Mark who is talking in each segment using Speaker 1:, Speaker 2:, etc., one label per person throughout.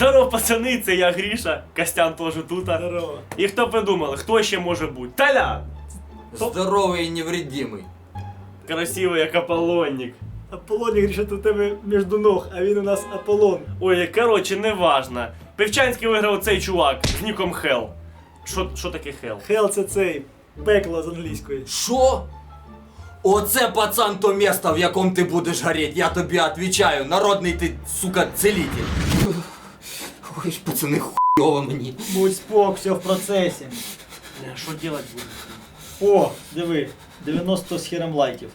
Speaker 1: Здорово, пацани, це я Гріша, Костян теж тут.
Speaker 2: Здорово.
Speaker 1: І хто придумали, хто ще може бути? Толян!
Speaker 3: Здоровий і невредимий.
Speaker 1: Красивий, як Аполлонник.
Speaker 2: Аполлон, Гріша, тут у тебе між ног, а він у нас Аполлон.
Speaker 1: Ой, коротше, неважно. Півчанський виграв цей чувак з ніком Хел. Що таке Хел?
Speaker 2: Хел це цей, пекло з англійської.
Speaker 3: Що? Оце, пацан, то місто, в якому ти будеш гореть, я тобі відповідаю. Народний ти, сука, целитель. Ой ж, пацани, хуйово мені.
Speaker 2: Будь спок, все в процесі.
Speaker 1: Що робити буде?
Speaker 2: О, диви, 90 з хером лайків.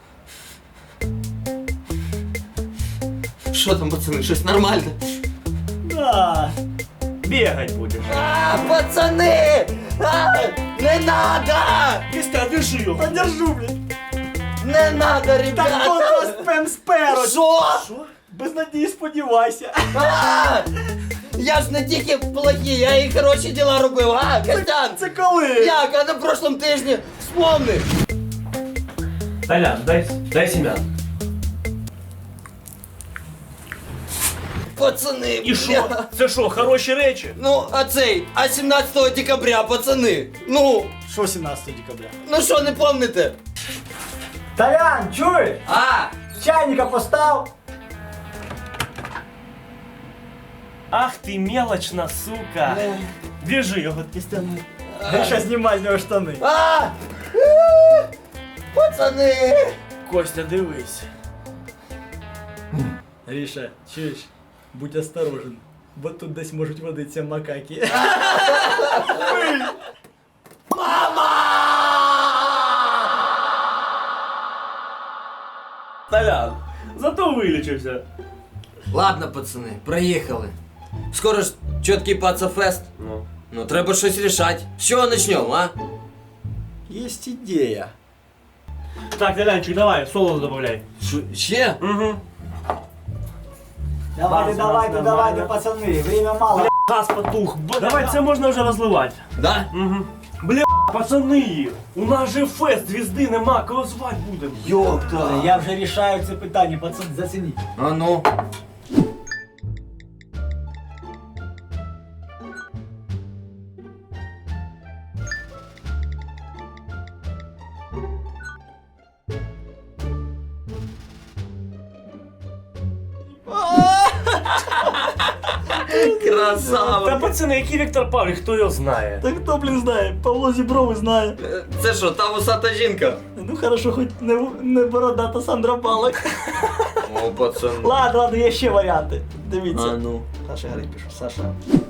Speaker 3: Що там, пацани, щось нормальне?
Speaker 2: Да.
Speaker 1: Бігать будеш.
Speaker 3: Пацани! Не надо!
Speaker 1: Костян, держи його.
Speaker 2: Подержу, блядь.
Speaker 3: Не надо,
Speaker 2: Так
Speaker 3: ребята!
Speaker 2: от вас пен сперо.
Speaker 3: Що?
Speaker 2: Без надії сподівайся.
Speaker 3: Я ж не тільки плохі, я і хороші діла робив, а, Костян?
Speaker 2: Це коли?
Speaker 3: Як, а на прошлом тижні вспомни.
Speaker 1: Толян, дай семян.
Speaker 3: Пацани,
Speaker 1: І що? Це що, хороші речі?
Speaker 3: Ну, а 17 декабря, пацани, ну,
Speaker 2: Що 17 декабря?
Speaker 3: ну що, не помните?
Speaker 2: Толян, чуєш?
Speaker 3: А,
Speaker 2: Чайника постав.
Speaker 1: Ах ти мелочна, сука. Держи його, Костян.
Speaker 2: Гріша, знімай з нього штани.
Speaker 3: пацани.
Speaker 1: Костя, дивись.
Speaker 2: Гріша, чуєш? Будь осторожен, бо тут десь можуть водитися макаки.
Speaker 1: Толян, зато вилічився.
Speaker 3: Ладно, пацани, проїхали. Скоро ж чіткий пацафест.
Speaker 1: Ну.
Speaker 3: Ну, треба щось рішати. З чого почнемо, а?
Speaker 2: Есть ідея.
Speaker 1: Так, Толянчик, давай, соло добавляй.
Speaker 3: Ще?
Speaker 1: Угу.
Speaker 2: Давайте, пацани, время мало.
Speaker 1: Газ потух. Давай, це можна вже розливати.
Speaker 3: Да?
Speaker 1: Угу. Бля, пацани, у нас же фест, звізди нема, кого звати будемо.
Speaker 3: Йопта.
Speaker 2: Я вже рішаю це питання, пацан, зацініть.
Speaker 3: А ну.
Speaker 1: Та
Speaker 3: Красава.
Speaker 1: пацани, який Віктор Павлік, хто його знає?
Speaker 2: Та хто, блін, знає? Павло Зібровий знає.
Speaker 3: Це що, та вусата жінка?
Speaker 2: Ну хорошо, хоч не бородата Сандра Балак.
Speaker 3: О, пацан.
Speaker 2: Ладно, є ще варіанти. Дивіться.
Speaker 3: А ну.
Speaker 2: Саша Гарик пишу, Саша.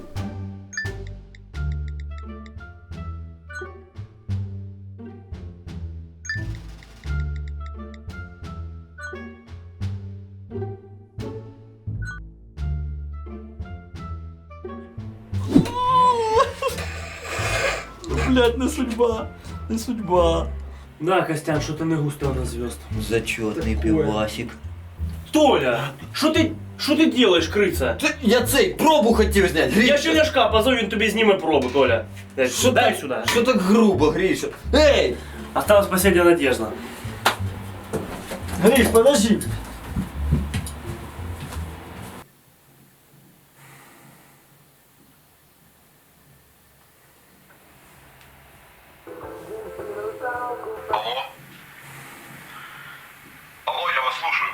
Speaker 2: Блять, не судьба, не судьба.
Speaker 1: Да, Костян, що ти не густо на звезд.
Speaker 3: Зачетний
Speaker 2: Такое.
Speaker 3: пивасик.
Speaker 1: Толя, що ти делаєш, криця?
Speaker 3: Я цей пробу хотів зняти.
Speaker 1: Я ще Ляшка позов, він тобі зніме пробу, Толя.
Speaker 3: Що
Speaker 1: Дай
Speaker 3: так-
Speaker 1: сюди.
Speaker 3: Що так грубо, Гріша? Ей!
Speaker 1: Осталась последняя надежда.
Speaker 2: Гриш, подожди.
Speaker 4: Алло? Алло, я вас слушаю.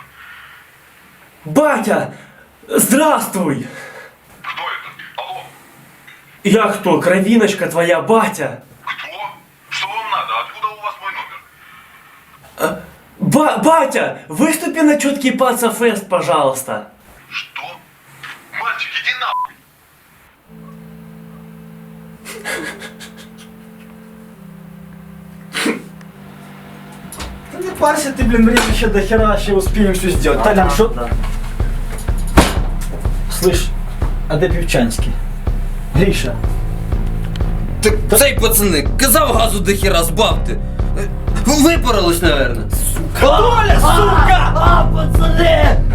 Speaker 1: Батя! Здравствуй!
Speaker 4: Кто это? Алло?
Speaker 1: Я кто? Кровиночка твоя, батя!
Speaker 4: Кто? Что вам надо? Откуда у вас мой номер?
Speaker 1: Батя! Выступи на четкий паца-фест, пожалуйста!
Speaker 4: Что? Мальчик, иди нахуй!
Speaker 2: Да не парься ты, блин, время еще до хера, еще успеем все сделать. Толян, что?
Speaker 1: Да.
Speaker 2: Слышь, а де Півчанський? Гріша.
Speaker 3: Так цей, пацани, казав газу до хера збавте. Випарилось, наверное.
Speaker 2: Толя, сука!
Speaker 3: Пацани!